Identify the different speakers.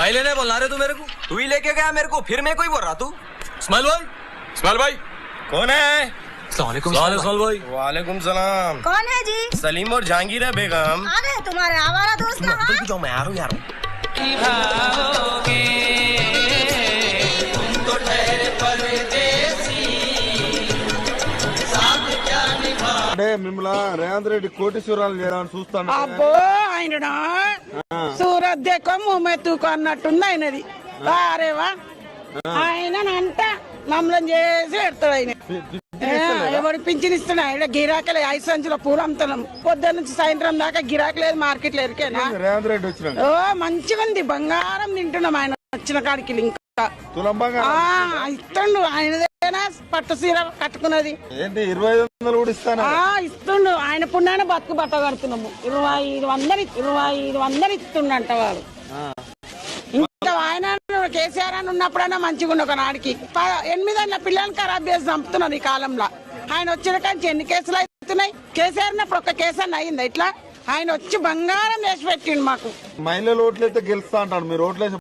Speaker 1: पहले नहीं बोलना रहे तू मेरे को।
Speaker 2: तू ही लेके गया मेरे को, फिर मैं कोई बोल रहा तू।
Speaker 1: इस्माइल भाई, इस्माइल भाई
Speaker 3: कौन है?
Speaker 1: इस्माइल भाई।
Speaker 3: वालेकुम सलाम।
Speaker 4: कौन है जी?
Speaker 3: सलीम और जहांगीर है बेगम।
Speaker 4: अरे तुम्हारे आवारा दोस्त कहाँ?
Speaker 3: जाओ, मैं आ रहा हूँ यार।
Speaker 5: అంటే మిమ్మల్ని రేవంత్ రెడ్డి కోటీశ్వరాలు చేయాలని చూస్తాను.
Speaker 6: అబ్బో ఆయన సూరత్ దేకో ముమ్మెత్తుకో అన్నట్టుంది ఆయనది. అరేవా ఆయన అంట మమ్మల్ని చేసి పెడతాడు ఆయన. ఎవరు పింఛన్ ఇస్తున్నా ఇక్కడ గిరాకలే 5 సంచుల పూలు అమ్ముతున్నాం. పొద్దున్న నుంచి సాయంత్రం దాకా గిరాకీ లేదు, మార్కెట్ లేదు.
Speaker 5: రేవంత్ రెడ్డి వచ్చిన
Speaker 6: ఓ మంచిగా ఉంది, బంగారం తింటున్నాం ఆయన వచ్చిన కాడికి. ఇంకా
Speaker 5: తులం బంగారం
Speaker 6: ఇస్తుండు ఆయనదేనా పట్టు సీర కట్టుకున్నది.
Speaker 5: ఏంటి 2500 కూడా ఇస్తాను.
Speaker 6: ఇస్తుండు ఆయన పుణ్యాన బతుకు బట్ట కడుతున్నాము. 2500 ఇస్తుండంట వాడు. ఇంకా ఆయన కేసీఆర్ అని ఉన్నప్పుడైనా మంచిగా ఉండు. ఒక నాడికి 8 పిల్లల్ని ఖరాబ్ చేసి చంపుతున్నారు ఈ కాలంలో. ఆయన వచ్చిన కానీ ఎన్ని కేసులు అవుతున్నాయి? కేసీఆర్ ఉన్నప్పుడు ఒక్క కేసు అని అయిందా ఇట్లా? ఆయన వచ్చి బంగారం చేసి పెట్టిండు మాకు.
Speaker 5: మహిళలు ఓట్లయితే గెలుస్తా అంటాడు, మీరు ఓట్లేసి